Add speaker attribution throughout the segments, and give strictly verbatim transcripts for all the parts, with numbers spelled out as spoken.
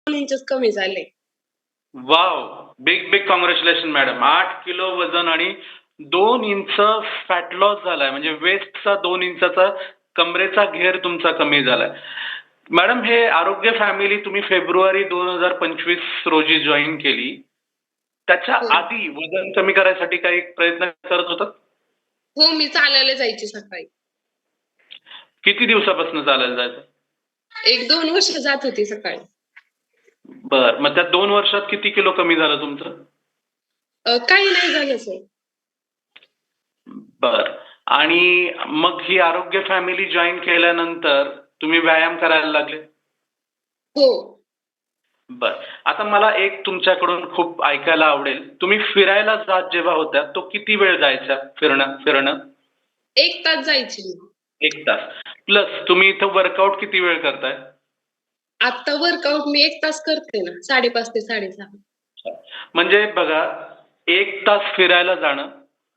Speaker 1: दोन इंचेस कमी झाले.
Speaker 2: Wow! Big, big congratulation madam. आठ किलो वजन आणि दोन इंच फॅट लॉस झालाय. म्हणजे वेस्टचा दोन इंचाचा कमरेचा घेर तुमचा कमी झालाय. मॅडम हे आरोग्य फॅमिली तुम्ही फेब्रुवारी दोन हजार पंचवीस रोजी जॉइन केली. त्याच्या
Speaker 1: हो.
Speaker 2: आधी वजन कमी करायसाठी काही प्रयत्न करत होतात?
Speaker 1: हो, मी चालायला जायची सकाळी.
Speaker 2: किती दिवसापासून चालायला जायचं?
Speaker 1: एक दोन वर्ष जात होती सकाळी.
Speaker 2: बरं. मग त्या दोन वर्षात किती किलो कमी झालं तुमचं?
Speaker 1: अ, काही नाही झालं सर.
Speaker 2: बरं. आणि मग ही आरोग्य फॅमिली जॉइन केल्यानंतर तुम्ही व्यायाम करायला लागले?
Speaker 1: हो.
Speaker 2: बरं. आता मला एक तुमच्याकडून खूप ऐकायला आवडेल. तुम्ही फिरायला जात जेव्हा होत्या, तो किती वेळ जायचा फिरणं फिरणं?
Speaker 1: एक तास जायची मी.
Speaker 2: एक तास. प्लस तुम्ही इथं वर्कआउट किती वेळ करताय?
Speaker 1: आता वर्कआउट मी एक तास करते ना, साडे पाच ते साडे सहा.
Speaker 2: म्हणजे बघा, एक तास फिरायला जाणं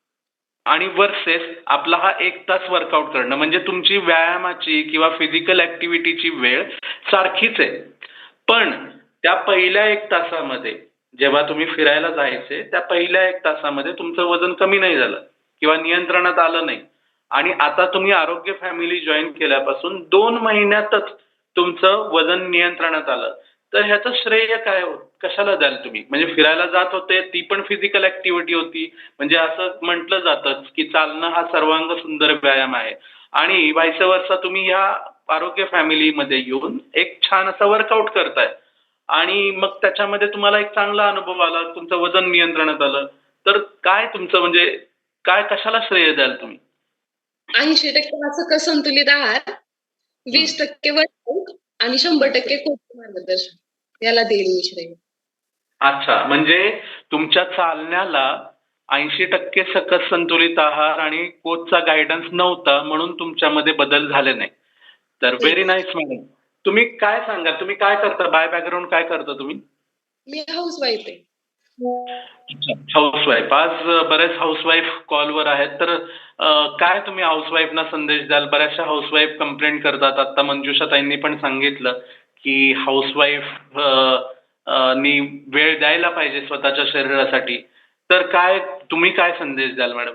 Speaker 2: आणि वर्सेस आपला हा एक तास वर्कआउट करणं, म्हणजे तुमची व्यायामाची किंवा फिजिकल ॲक्टिव्हिटीची वेळ सारखीच आहे. पण त्या पहिल्या एक तासामध्ये जेव्हा तुम्ही फिरायला जायचे, त्या पहिल्या एक तासामध्ये तुमचं वजन कमी नाही झालं किंवा नियंत्रणात आलं नाही. आणि आता तुम्ही आरोग्य फॅमिली जॉइन केल्यापासून दोन महिन्यातच तुमचं वजन नियंत्रणात आलं. तर ह्याचं श्रेय काय हो? कशाला द्याल तुम्ही? म्हणजे फिरायला जात होते, ती पण फिजिकल ॲक्टिव्हिटी होती. म्हणजे असं म्हटलं जातं की चालणं हा सर्वांग सुंदर व्यायाम आहे. आणि व्हाईस वर्सा तुम्ही ह्या आरोग्य फॅमिलीमध्ये येऊन एक छान असा वर्कआउट करताय. आणि मग त्याच्यामध्ये तुम्हाला एक चांगला अनुभव आला, तुमचं वजन नियंत्रणात आलं. तर काय तुमचं म्हणजे काय कशाला श्रेय द्याल तुम्ही?
Speaker 1: ऐंशी टक्के सकस संतुलित आहार, वीस
Speaker 2: हं.
Speaker 1: टक्के वर्कआउट आणि शंभर टक्के कोच मार्गदर्शन. याला देईल मी श्रेय.
Speaker 2: अच्छा. म्हणजे तुमच्या चालण्याला ऐंशी टक्के सकस संतुलित आहार आणि कोचचा गाईडन्स नव्हता, म्हणून तुमच्यामध्ये बदल झाले नाही. तर व्हेरी
Speaker 1: तेच.
Speaker 2: Nice madam. तुम्ही काय सांगाल? तुम्ही काय करता? बाय बॅकग्राऊंड काय करता तुम्ही?
Speaker 1: मी हाऊसवाईफ आहे.
Speaker 2: अच्छा. हाऊसवाईफ. आज बरेच हाऊसवाईफ कॉलवर आहेत. तर अ, काय तुम्ही हाऊसवाईफना संदेश द्याल? बऱ्याचशा हाऊसवाईफ कंप्लेंट करतात. आता मंजुषा ताईंनी पण सांगितलं, की हाऊसवाईफ अ, अ, नी वेळ द्यायला पाहिजे स्वतःच्या शरीरासाठी. तर काय तुम्ही काय संदेश द्याल मॅडम?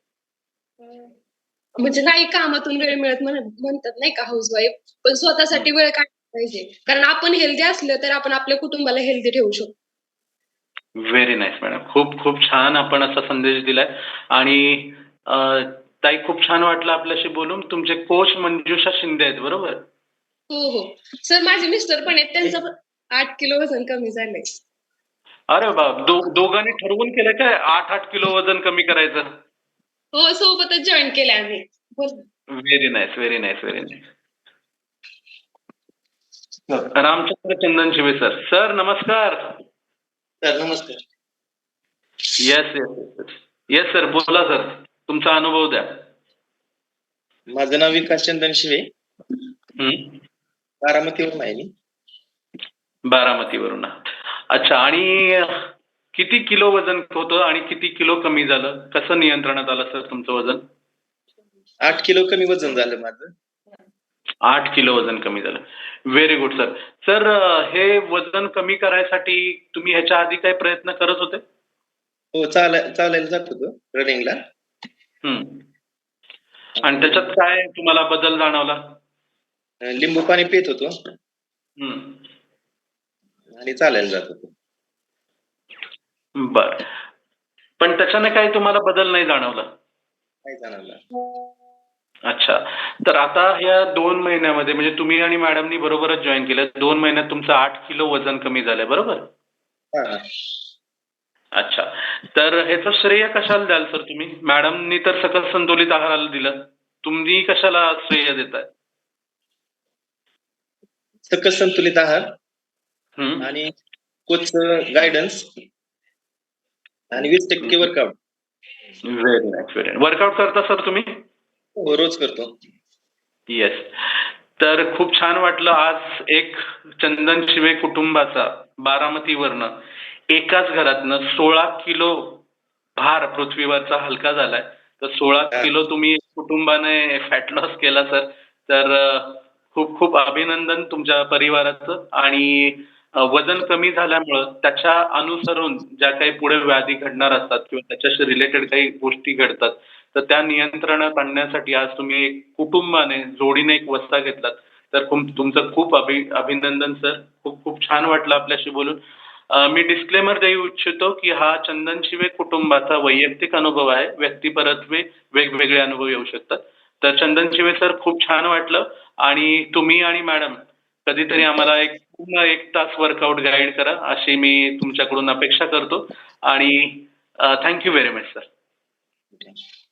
Speaker 1: म्हणजे नाही कामातून वेळ मिळत म्हणत म्हणतात नाही का हाऊसवाईफ, पण
Speaker 2: हं.
Speaker 1: स्वतःसाठी वेळ काढला पाहिजे. कारण आपण हेल्दी असलं तर आपण आपल्या कुटुंबाला हेल्दी ठेवू शकतो.
Speaker 2: Very nice madam. खूप खूप छान आपण असा संदेश दिलाय. आणि अ, ताई खूप छान वाटलं आपल्याशी बोलून. तुमचे कोच मंजुषा शिंदे आहेत बरोबर?
Speaker 1: हो, हो. सर माझे मिस्टर पण आहेत. त्यांचं पण आठ किलो वजन कमी झालंय.
Speaker 2: अरे बाप! दो दोघांनी ठरवून केलंय काय आठ आठ किलो वजन कमी करायचं?
Speaker 1: हो, सोबतच जॉइन केलंय आम्ही. बोल.
Speaker 2: Very nice, very nice, very nice. Ramchandra Chandan Shive sir. Sir नमस्कार.
Speaker 3: सर नमस्कार.
Speaker 2: Yes, yes, yes. Yes sir. बोला सर. तुमचा अनुभव द्या.
Speaker 3: माझं नाव विकास चंदन शिवे.
Speaker 2: हं.
Speaker 3: बारामतीवरून आहे मी.
Speaker 2: बारामतीवरून. अच्छा. आणि किती किलो वजन होतं आणि किती किलो कमी झालं? कसं नियंत्रणात आलं सर तुमचं वजन?
Speaker 3: आठ किलो कमी वजन झालं माझं.
Speaker 2: आठ किलो वजन कमी झालं. Very good sir. सर हे वजन कमी करायसाठी तुम्ही ह्याच्या आधी काही प्रयत्न करत होते?
Speaker 3: हो, चालाय चालायला जात होतो रनिंगला.
Speaker 2: हं. आणि त्याच्यात काय तुम्हाला बदल जाणवला?
Speaker 3: अ, लिंबू पाणी पीत होतो
Speaker 2: हं.
Speaker 3: आणि चालायला जात होतो.
Speaker 2: बरं. पण त्याच्याने काही तुम्हाला बदल नाही जाणवला?
Speaker 3: नाही जाणवला.
Speaker 2: अच्छा. तर आता ह्या दोन महिन्यामध्ये म्हणजे तुम्ही आणि मॅडमनी बरोबरच जॉइन केलं. दोन महिन्यात तुमचं आठ किलो वजन कमी झालंय बरोबर?
Speaker 3: हां, हां.
Speaker 2: अच्छा. तर ह्याचं श्रेय कशाला द्याल सर तुम्ही? मॅडमनी तर सकस संतुलित आहाराला दिलं. तुम्ही कशाला श्रेय देताय?
Speaker 3: सकस संतुलित आहार
Speaker 2: हं.
Speaker 3: आणि कोचचं गाईडन्स आणि वीस टक्के workout.
Speaker 2: Very nice, very nice. Workout करता सर तुम्ही?
Speaker 3: हो, रोज करतो.
Speaker 2: येस. तर खूप छान वाटलं आज एक चंदन शिवे कुटुंबाचा बारामतीवरनं एकाच घरातनं सोळा किलो भार पृथ्वीवरचा हलका झालाय. तर सोळा
Speaker 3: हां.
Speaker 2: किलो तुम्ही कुटुंबाने फॅट लॉस केला सर. तर अ, खूप खूप अभिनंदन तुमच्या परिवाराचं. आणि अ, वजन कमी झाल्यामुळं त्याच्या अनुसरून ज्या काही पुढे व्याधी घडणार असतात किंवा त्याच्याशी रिलेटेड काही गोष्टी घडतात, तर त्या नियंत्रणात आणण्यासाठी आज तुम्ही एक कुटुंबाने, जोडीने एक वस्ता घेतलात. तर तुम तुमचं खूप अभि अभिनंदन सर. खूप खूप छान वाटलं आपल्याशी बोलून. अ, मी डिस्क्लेमर देऊ इच्छितो, की हा चंदन शिवे कुटुंबाचा वैयक्तिक अनुभव आहे. व्यक्तिपरत्वे वेगवेगळे अनुभव येऊ शकतात. तर चंदन शिवे सर खूप छान वाटलं आणि तुम्ही आणि मॅडम कधीतरी आम्हाला एक पूर्ण एक तास वर्कआउट गाईड करा, अशी मी तुमच्याकडून अपेक्षा करतो आणि अ, thank you very much sir.